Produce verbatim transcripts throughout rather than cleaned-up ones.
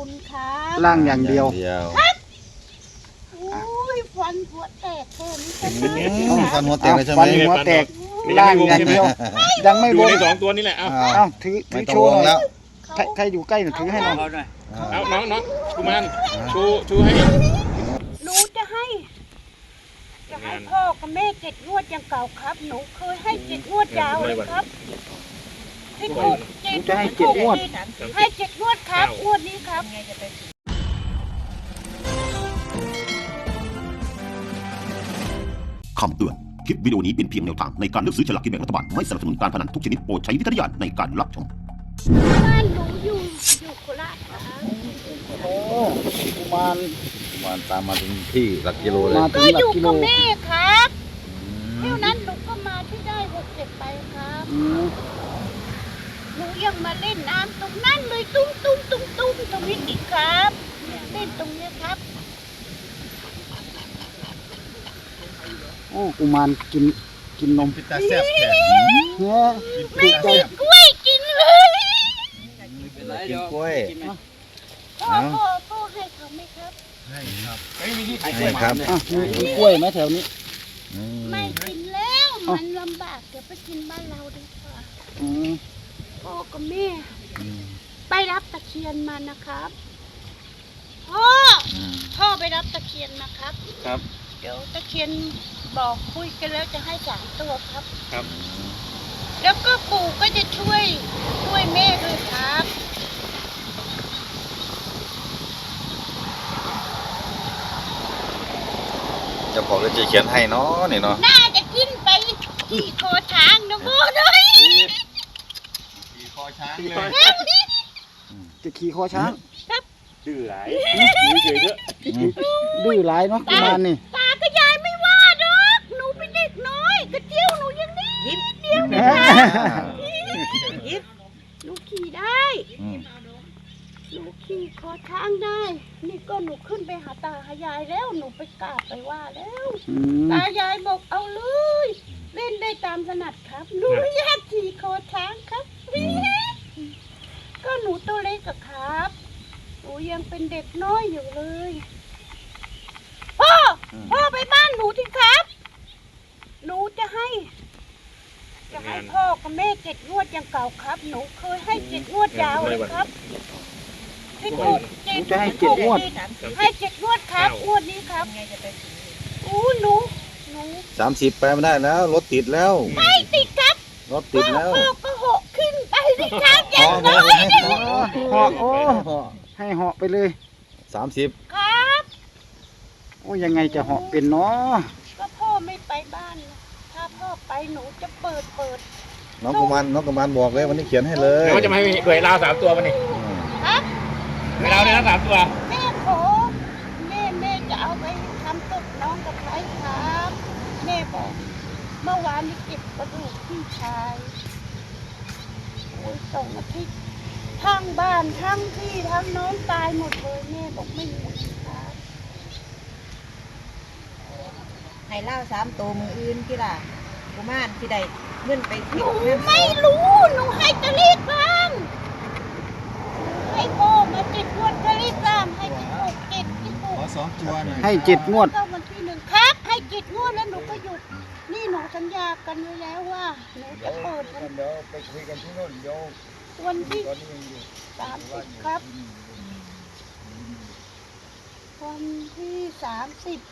นครับล่างอย่างเดียวครับโอ้ยฟันหัวแตกแค่นี้ก็ได้ฟันหัวแตกเลยใช่ไหมฟันหัวแตกล่างอย่างเดียวยังไม่อบ ยู่นในสองตัวนี่แหละ เอาเอ้าถือถืไม่อต้อโชงว์วหน่งแล้อวยใครใครอยู่ใกล้หน่อยถือให้หน่อยเอาน้องน้องกุมารชูชูให้หนูจะให้ จะให้พ่อกับแม่เจ็ดงวดอย่างเก่าครับ หนูเคยให้เจ็ดงวดยาวเลยครับที่ถูกเจ็ดจะให้เจ็ดงวดให้เจ็ดงวดครับงวดนี้ครับคำเตือน คลิปวิดีโอนี้เป็นเพียงแนวทางในการเลือกซื้อฉลากกินแบ่งรัฐบาล ไม่สนับสนุนการพนันทุกชนิดโปรดใช้วิจารณญาณในการรับชมบ้านหนูอยู่อยู่โคราชครับโอ้กุมารมันตามมาถึงที่หลักกิโลเลยมาถึก็งหลัอก ยู่กิโลกับแม่ครับเท่านั้นหนูก็มาที่ได้หกเจ็ดไปครับอืมหนูยังมาเล่นน้ำตรงนั้นเลยตุ้มตุ้มตุ้มตุ้มตรงนี้อีกครับเล่นตรงนี้ครับโอ้กุมารกินกินนมพิตาแซ่บแท้เนี่ยไม่ถูกใจมีกล้วยกินเลยกินกล้วยพ่อพ่อพ่อให้เขาไหมครับให้ครับไม่มีที่ให้ครับอ่ะมีมีกล้วยไหมแถวนี้อืมไม่กินแล้วมันลำบากเดี๋ยวไปกินบ้านเราดีกว่าอืมพ่อกับแม่อืมไปรับตะเคียนมานะครับพ่ออืมพ่อไปรับตะเคียนนะครับครับเดี๋ยวตะเคียนบอกคุยกันแล้วจะให้สามตัวครับครับแล้วก็ปู่ก็จะช่วยช่วยแม่ด้วยครับเจะบอกเลยจะเขียนให้เนาะนี่เนาะน่าจะขึ้นไปขี่คอช้างนะโม่ด้วยคอช้างจะขี่คอช้างดื้อหลายอยู่เฉยๆเถอะดื้อหลายเนาะกุมารนี่ตากับยายไม่ว่าดอกหนูเป็นเด็กน้อยกระเจียวหนูยังนี่ยิ้มเดียวยิ้มหนูขี่ได้อืมหนูขี่คอช้างได้ นี่ก็หนูขึ้นไปหาตาหายายแล้วหนูไปกราบไปว่าแล้วอืมตายายบอกเอาเลย เล่นได้ตามถนัดครับหนูไม่อยากขี่คอช้างครับก็หนูตัวเล็กอะครับหนูยังเป็นเด็กน้อยอยู่เลยพ่อพ่อไปบ้านหนูที่ครับ หนูจะให้ จะให้พ่อกับแม่เจ็ดงวดอย่างเก่าครับ หนูเคยให้เจ็ดงวดยาวเลยครับที่ถูกเจ็ดจะให้เจ็ดงวดให้เจ็ดงวดครับงวดนี้ครับอู้หนูหนูสามสิบไปไม่ได้แล้วรถติดแล้วไม่ติดครับรถติดแล้วพ่อก็เหาะขึ้นไปสิครับอพย่าอง พน้ออยให้พอเหาะโอ้ให้เหาะไปเลยสามสิบครับโอ้ยังไงจะเหาะเป็นเนาะก็พ่อไม่ไปบ้านนะถ้าพ่อไปหนูจะเปิดเปิดน้องกุมารน้องกุมารบอกเลยวันนี้เขียนให้เลยแล้วจะมาให้ด้วยลาวสามตัวมันนี่อืมครับด้วยลาวเนี่ยนะสามตัวแม่ขอแม่แม่จะเอาไปทำตกน้องกับใครครับแม่บอกเมื่อวานนี้เก็บกระดูกพี่ชายโอ้ยสองอาทิตย์ทั้งบ้านทั้งพี่ทั้งน้องตายหมดเลยแม่บอกไม่มีครับให้เล่าสามตัวมืออื่นที่ล่ะกุมารที่ใดเงินไปหเที่นูยวแม่ไม่รู้ หนูให้ตะลีกลางให้พ่อมาจิตงวดตะลีกลางให้จิตหกจิตที่หกขอสองตัวหน่อยให้เจ็ดงวดเข้าวันที่หนึ่งครับ ให้จิตงวดแล้วหนูก็หยุด นี่หนูสัญญากันไว้แล้วว่าหนูจะเปิดวันเดี๋ยวไปคุยกันที่โน่นเดี๋ยววันที่ตอนนี้ยังอยู่สามสิบครับ วันที่สามสิบ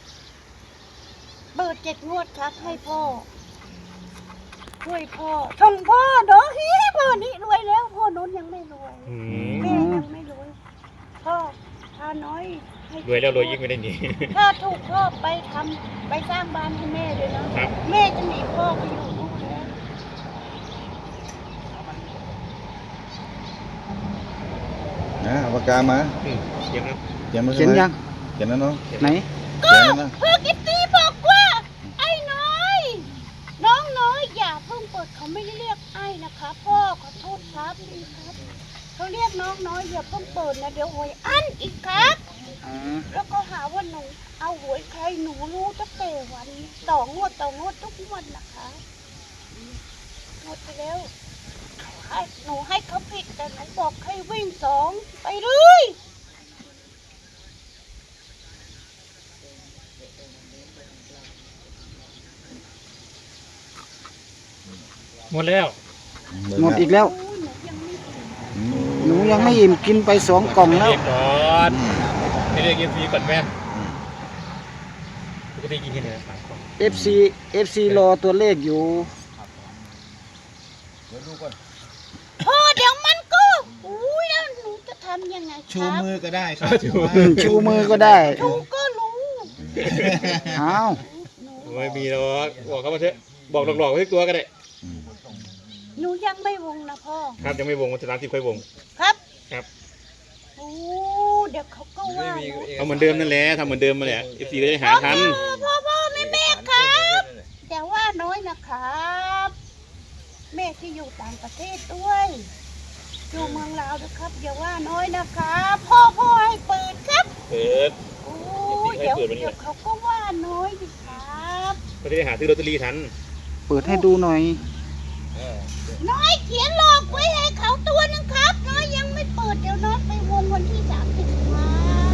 เปิดเจ็ดงวดครับ ให้พ่อช่วยพ่อส่งพ่อเด้อฮีพ่อนี่รวยแล้ว พ่อโน้นยังไม่รวยอืแม่มยังไม่รวยพ่อพาน้อยให้รวยแล้วรวยยิ่งไม่ได้หนีถ้าถูกพ่อไปทำไปสร้างบ้านให้แม่เลยนะครับ แม่จะหนีพ่อไปอยู่นู่นแล้วนะเอาปากกามาอืมเยี่ยมนะเขียนมาเขียนยังเขียนแล้วเนาะไหนเขียนแล้วนะพ่อกิตตี้บอกว่า ไอ้น้อย น้องน้อยอย่าเพิ่งเปิดเขาไม่ได้เรียกไอ้นะคะพ่อขอโทษครับพี่ครับเขาเรียกน้องน้อยอย่าเพิ่งเปิดนะเดี๋ยวหวยอั้นอีกครับอ่าแล้วก็หาว่าหนูเอาหวยใครหนูรู้ตั้งแต่วันต่องวดต่องวดทุกงวดนะคะงวดไปแล้วให้หนูให้เขาผิดแต่หนูบอกให้วิ่งสองไปเลยมดแล้วหมดอีกแล้วโอ้ยหนูยังไม่อิ่มอืมหนูยังไม่อิ่มกินไปสองกล่องแล้วเรียกก่อนไม่เรียกเอฟซีก่อนแม่ปกติกินแค่ไหนสามกล่องเอฟ ซี เอฟ ซี รอตัวเลขอยู่เดี๋ยวดูก่อนพ่อเดี๋ยวมันก็อุ้ยแล้วหนูจะทำยังไงคชูรับมือก็ได้ครับอืมชูมือก็ได้หนูก็รู้อ้าวหนูไม่มีหรอกบอกเขามาเถอะบอกหลอกๆไว้ตัวก็ได้หนูยังไม่วงนะพ่อครับยังไม่วงวันที่สามสิบค่อยวงครับครับโอ้เดี๋ยวเขาก็ว่าหนูเอาเหมือนเดิมนั่นแหละทำเหมือนเดิมมาแหละเอฟซีก็จะหาทันพ่อพ่อพ่อแม่แม่ครับแต่ว่าน้อยนะครับ แม่ที่อยู่ต่างประเทศด้วยอยู่เมืองลาวนะครับอย่าว่าน้อยนะครับพ่อพ่อให้เปิดครับเปิดโอ้เดี๋ยวเดี๋ยวเขาก็ว่าน้อยดิครับก็จะได้หาซื้อลอตเตอรี่ทันเปิดให้ดูหน่อยน้อยเขียนหลอกไว้ให้เขาตัวหนึงครับ น้อยยังไม่เปิดเดี๋ยวน้อยไปวงวันที่สามสิบครับ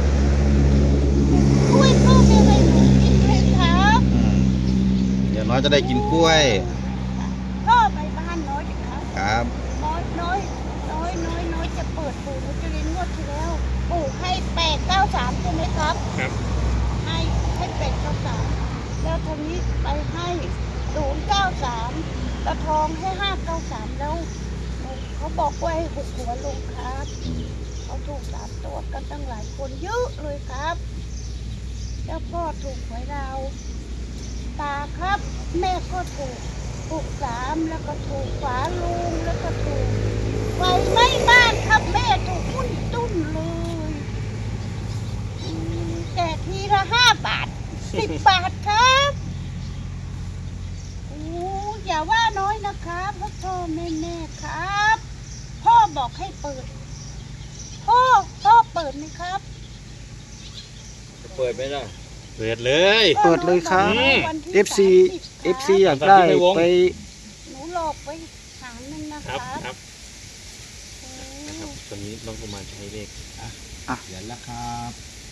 ช่วยพ่อแม่ให้หนูกินด้วยครับเดี๋ยวน้อยจะได้กินกล้วยพ่อไปบ้านน้อยดิครับครับน้อยน้อยน้อยน้อยน้อยจะเปิดปู่นุจรินงวดที่แล้วปู่ให้แปดเก้าสามใช่ไหมครับครับให้ให้แปดเก้าสามแล้วทีนี้ไปให้ศูนย์เก้าสามตะทองให้ห้าเก้าสามแล้วเขาบอกว่าให้หุกหัวลงครับเขาถูกสามตัวกันตั้งหลายคนเยอะเลยครับ แล้วพ่อถูกหวยเราตาครับ แม่ก็ถูกถูกสามแล้วก็ถูกฝาลุงแล้วก็ถูกไฟไหม้บ้านครับแม่ถูกหุ้นตุ้นเลยอืมแต่ทีละห้าบาทสิบบาทครับโอ้อย่าว่าน้อยนะครับพ่อพ่อแม่แม่ครับ พ่อบอกให้เปิด พ่อพ่อเปิดไหมครับเปิดไหมล่ะเปิดเลยเปิดเลยครับวันที่เอฟ ซีสามสิบเอฟ ซี อยากได้ไปหนูหลอกไว้หางนึงนะคครัรับบ ครับโอ้นะครับตอนนี้น้องกุมารใช้เลขเดี๋ยวละครับ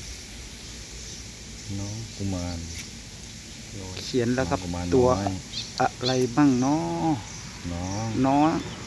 น้องกุมารน้อยเขียนแล้วครับกุมารตัวน้อยอะไรบ้างเนาะน้องน้อง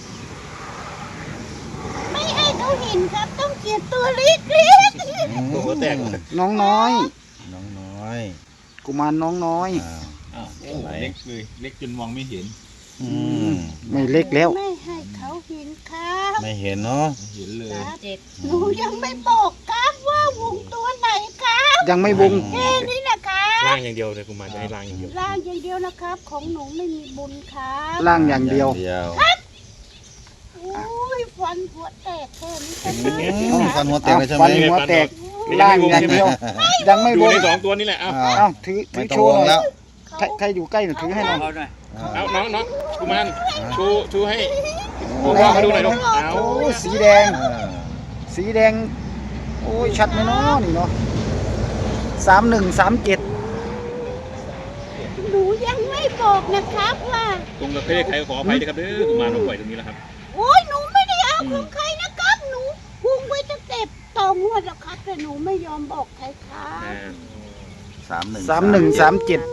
ไม่ให้เขาเห็นครับ ต้องเขียนตัวเล็กเล็กตัวแตกน้องน้อยน้องน้อยกุมารน้องน้อยอ้าวอ้าวเล็กเลยเล็กจนมองไม่เห็นอืมไม่เล็กแล้วไม่ให้เขาเห็นครับไม่เห็นเนาะเห็นเลยครับเจ็ดหนูยังไม่บอกครับว่าวงตัวไหนครับยังไม่วงแค่นี้นะครับล่างอย่างเดียวเลยกุมารจะให้ล่างอย่างเดียวร่างอย่างเดียวนะครับ ของหนูไม่มีบุญครับล่างอย่างเดียวเดียวโอ้ยฟันหัวแตกแค่นี้ก็อืน่ามฟันหัวแตกเลยใช่ไหมฟันหัวแตก ล่างอย่างเดียว ยังไม่ดูวงในสองตัวนี้แหละเอาอ้าวเอ้าถือถืไม่อต้อโชงว์วหงน่อยแล้วใครใครอยู่ใกล้หน่อยถือให้หน่อยเอาน้องน้องกุมารชูชูให้พ่อเขาดูหน่อยลูกเอาโอ้ยสีแดงอ่าสีแดง โอ้ยชัดไหมเนาะนี่เนาะสามหนึ่งสามเจ็ดหนูยังไม่บอกนะครับว่าตรงกับเลขใครขออภัยด้วยครับเด้อกุมารมาปล่อยตรงนี้แล้วครับโอ้ยหนูไม่ได้เอาของใครนะครับ หนูวงไว้ตั้งแต่ต่องวดแล้วครับแต่หนูไม่ยอมบอกใครครับอ่าสามหนึ่งสามหนึ่งสามเจ็ด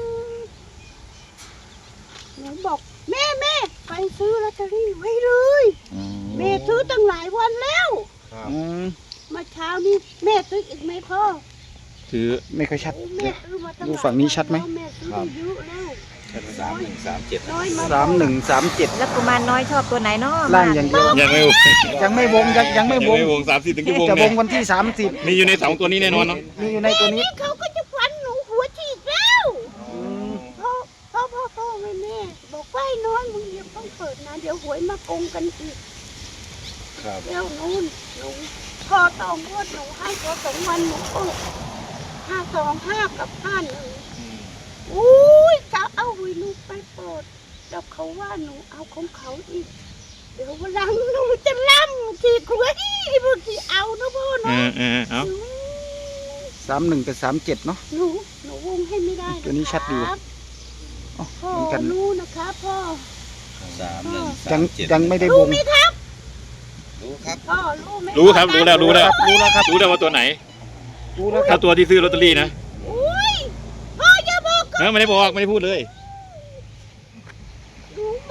หนูบอกแม่แม่ไปซื้อลอตเตอรี่ไว้เลยอืมแม่ซื้อตั้งหลายวันแล้วอืมเมาเช้านี้แม่ซื้ออีกไหมพ่อถือไม่ค่อยชัดโอ้แม่ซื้อมาตั้งหดูลายฝั่งนี้ชัดไหมแม่ซื้อได้เยอะแล้วสามหนึ่งสามเจ็ดน้อยมาสามหนึ่งสามเจ็ดแล้วกุมารน้อยชอบตัวไหนเนาะล่างอย่างเดียวยังไม่วงยังไม่วงยังยังไม่ยังวงไม่วงสามสิบถึงจะวงจะวงนะวันที่สามสิบมีอยู่ในสองตัวนี้แน่นอนเนาะมีอยู่ในตัวนี้นี่เขาก็จะฟันหนูหัวฉีกแล้วพ่อพ่อพ่อพ่อแม่แม่บอกว่าไอ้น้อยมึงอย่าต้องเปิดนะเดี๋ยวหวยมาโกงกันอีกครับเดี๋ยวนู้นหนูพอตองวดหนูให้พอสองวันหนูเปิดห้าสองห้ากับห้าหนึ่งอุ้ยจะเอาหวยหนูไปเปิดแล้วเขาว่าหนูเอาของเขาอีก เดี๋ยววันหลังหนูจะล่ำทีกล้วยบางทีเอานะพ่อเอเนาะอเออเอาสามหนึ่งกับสามเจ็ดเนาะหนูหนูวงให้ไม่ได้ะตัวนี้ชัดดีครับอ๋อพ่อเหมือนกันรู้นะครับพ่อสามหนึ่งยัสาง มเจ็ดยังไม่ได้วรู้งไหมครับรู้ครับพ่อรู้ไหมรู้ครับรู้แล้วรู้แล้วรู้แล้วครับรู้แล้วว่าตัวไหนรู้แล้วคถ้ารับตัวที่ซื้อลอตเตอรี่นะอุ้ยพ่ออย่าบอกเออไม่ได้บอกไม่ได้พูดเลยหนูบอกว่า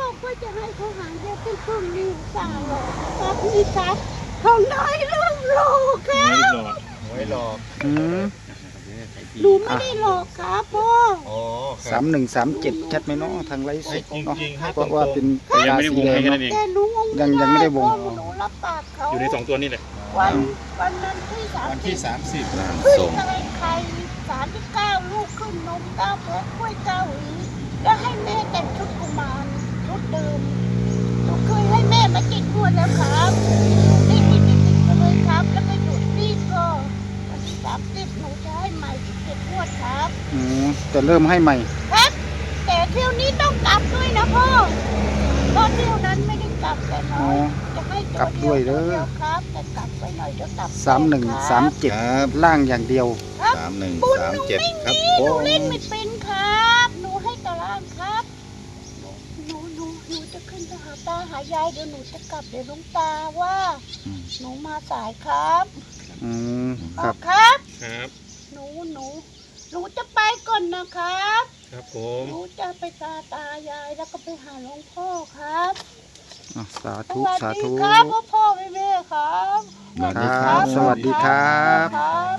จะให้เขาหางเดียวเป็นครึ่งนิ้วสาวครับพี่ครับเขาน้อยลูกโลครับไว้หลอกอืมหนูไม่ได้หลอกครับพ่ออ๋อสามหนึ่งสามเจ็ดชัดไหมเนาะทางไลฟ์สดเนาะจริงๆให้เพราะว่าเป็นแต่ยังไม่ได้วงให้แค่เนาะนั้นเองแต่หนูงงยังยังไม่ได้วงเพราะหนูรับปากเขาอยู่ในสองตัวนี่แหละวันวันนั้นที่สามวันสิที่บสามสิบขึ้นส่งอะไรไข่สามที่เก้าลูกขึ้นนมเก้าแพ็คกล้วยเก้าหวีแล้วให้แม่แต่งชุดกุมารชุดเดิมหนูเคยให้แม่มาจิตงวดแล้วครับนี่ติดติดติดกันเลยครับ แล้วก็หยุดนี่ก็วันที่สามสิบหนูจะให้ใหม่สิบเจ็ดงวดครับอืมจะเริ่มให้ใหม่ครับ แต่เที่ยวนี้ต้องกลับด้วยนะพ่อเพราะเที่ยวนั้นไม่ได้กลับแต่น้อ๋ออยจะให้กลับด้วยเด้อตัวยวครับแต่กลับไปหน่อยเดี๋ยวกลับสามหนึ่งสามเจ็ดครับล่างอย่างเดียวสามหนึ่งบุญสามหนูเจ็ดไม่ครับมีหนูเล่นไม่เป็นครับ หนูให้ตารางครับหนูหนูหนูจะขึ้นไปหาตาหายายเดี๋ยวหนูจะกลับเดี๋ยวหลุงตาว่าอืมหนูมาสายครับอืมคอ๋อรับครับครับหนูหนูหนูจะไปก่อนนะครับครับผมหนูจะไปตาตายายแล้วก็ไปหาหลวงพ่อครับอ่ะสาสธุวัสสาดีธุครับพ่อพ่อแม่แม่ครับครับ สวัสดีครับครับ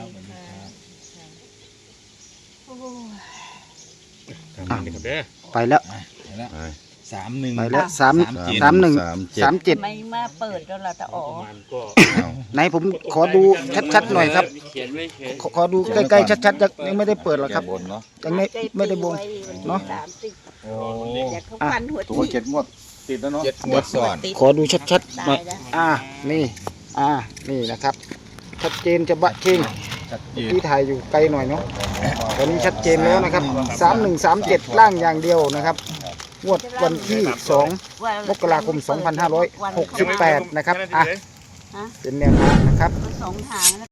โอ้ยทางนี้นะครับเด้อไปแล้วสามหนึ่งไปแล้วสามเจ็ดสามหนึ่งสามเจ็ดสามเจ็ดไม่มาเปิดแล้วล่ะตาอ๋อประมาณก็ไหนผมขอดูชัดๆหน่อยครับเขียนไว้เขียนขอขอดูใกล้ๆชัดๆยังยังไม่ได้เปิดหรอกครับบนเนาะยังไม่ไม่ได้บงเนาะสามสิบโอ้อยากเขาฟันหัวตัวที่เจ็ดงวดติดแล้วเนาะเจ็ดงวดซ้อนขอดูชัดๆหน่อยอ่า นี่ อ่า นี่นะครับ ชัดเจนจะบะเชิงชัดเจนที่ถ่ายอยู่ไกลหน่อยเนาะตอนนี้ชัดเจนแล้วนะครับสามหนึ่งสามเจ็ดล่างอย่างเดียวนะครับงวดวันที่สองมกราคมสองพันห้าร้อยหกสิบแปดนะครับ อ่ะ เป็นแนวทางนะครับสองทาง